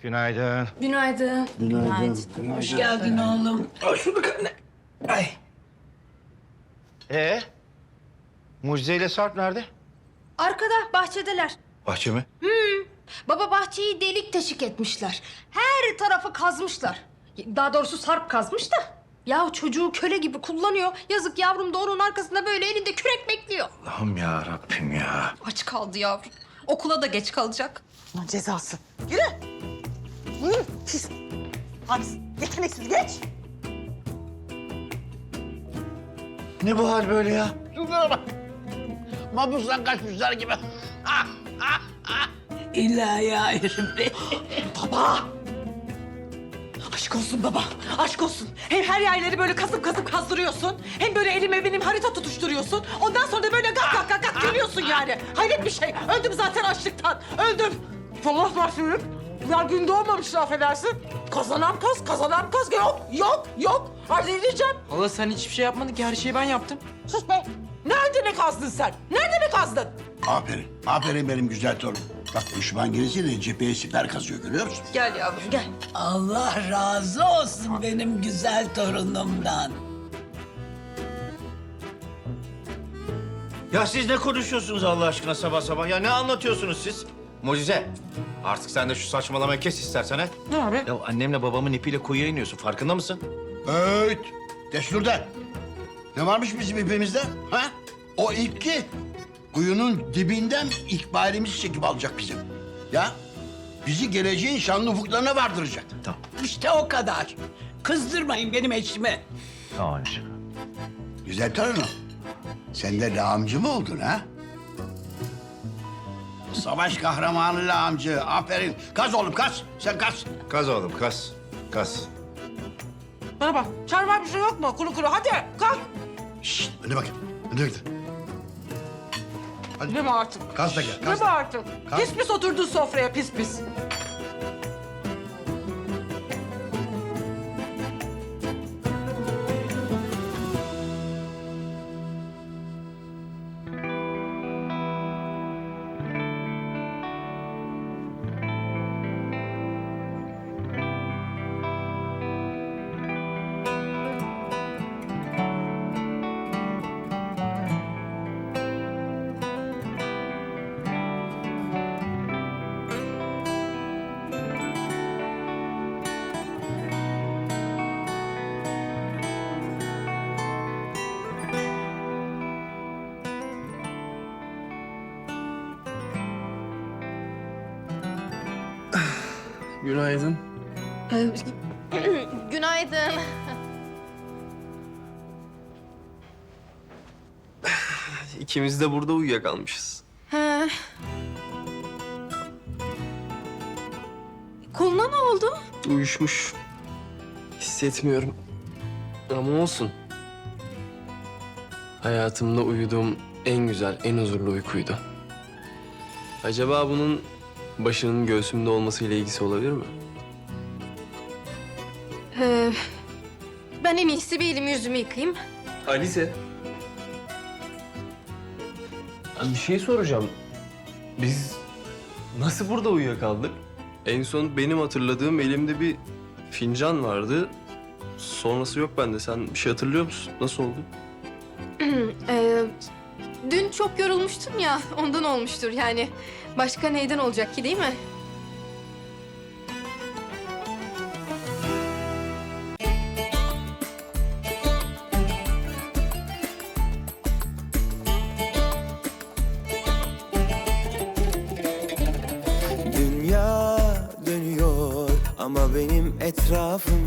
Günaydın. Günaydın. Günaydın. Hoş geldin oğlum. Hoş bulduk anne. Ay. Mucize ile Sarp nerede? Arkada bahçedeler. Bahçe mi? Baba bahçeyi delik teşik etmişler. Her tarafı kazmışlar. Daha doğrusu Sarp kazmış da. Ya çocuğu köle gibi kullanıyor. Yazık yavrum da onun arkasında böyle elinde kürek bekliyor. Allah'ım ya Rabbim ya. Aç kaldı yavrum. Okula da geç kalacak. Lan cezası. Yürü. Yürü. Pis. Hadi yeteneksiz geç. Ne bu hal böyle ya? Şunlara bak. Mabustan kaçmışlar gibi. İlahi Hayri Baba. Aşk olsun baba. Aşk olsun. Hem her yerleri böyle kasıp kazdırıyorsun. Hem böyle elime benim harita tutuşturuyorsun. Ondan sonra da böyle gak gülüyorsun yani. Hayret bir şey. Öldüm zaten açlıktan. Öldüm. Allah başlıyor. Ya gün doğmamış affedersin. Kazanan kaz. Yok. Halledeceğim. Hala sen hiçbir şey yapmadın ki. Her şeyi ben yaptım. Sus be. Nerede ne kazdın sen? Nerede ne kazdın? Aferin. Aferin benim güzel torunum. Bak düşman gelirse de cepheye siper kazıyor görüyor musun? Gel yavrum gel. Allah razı olsun benim güzel torunumdan. Ya siz ne konuşuyorsunuz Allah aşkına sabah sabah? Ya ne anlatıyorsunuz siz? Mucize, artık sen de şu saçmalamayı kes istersen ha. Ne abi? Ya annemle babamın ipiyle kuyuya iniyorsun. Farkında mısın? Evet. Destur'da. Ne varmış bizim ipimizde? Ha? O ip ki kuyunun dibinden ikbalimizi çekip alacak bizim. Ya bizi geleceğin şanlı ufuklarına vardıracak. Tamam. İşte o kadar. Kızdırmayın benim eşimi. Tamam anneciğim. Güzel torunum. Sen de lağımcı mı oldun ha? Savaş kahramanı lağımcı. Aferin. Kaz oğlum kaz. Sen kaz. Kaz oğlum, kaz. Kaz. Bana bak. Çay var bir şey yok mu? Kuru hadi kalk. Şşt. Önüne bakayım. Önüne gidin. Ne mi artık? Kaz da gel. Ne Kaz mi da. artık? Kalk. Pis oturdun sofraya pis. Günaydın. Günaydın. İkimiz de burada uyuyakalmışız. He. Koluna ne oldu? Uyuşmuş. Hissetmiyorum. Ama olsun. Hayatımda uyuduğum en güzel, en huzurlu uykuydu. Acaba bunun başının göğsümde olmasıyla ilgisi olabilir mi? Ben en iyisi bir elimi yüzümü yıkayayım. Alize. Bir şey soracağım. Biz nasıl burada uyuyakaldık? En son benim hatırladığım elimde bir fincan vardı. Sonrası yok bende. Sen bir şey hatırlıyor musun? Nasıl oldu? Dün çok yorulmuştum ya, ondan olmuştur yani. Başka neyden olacak ki değil mi? Dünya dönüyor ama benim etrafım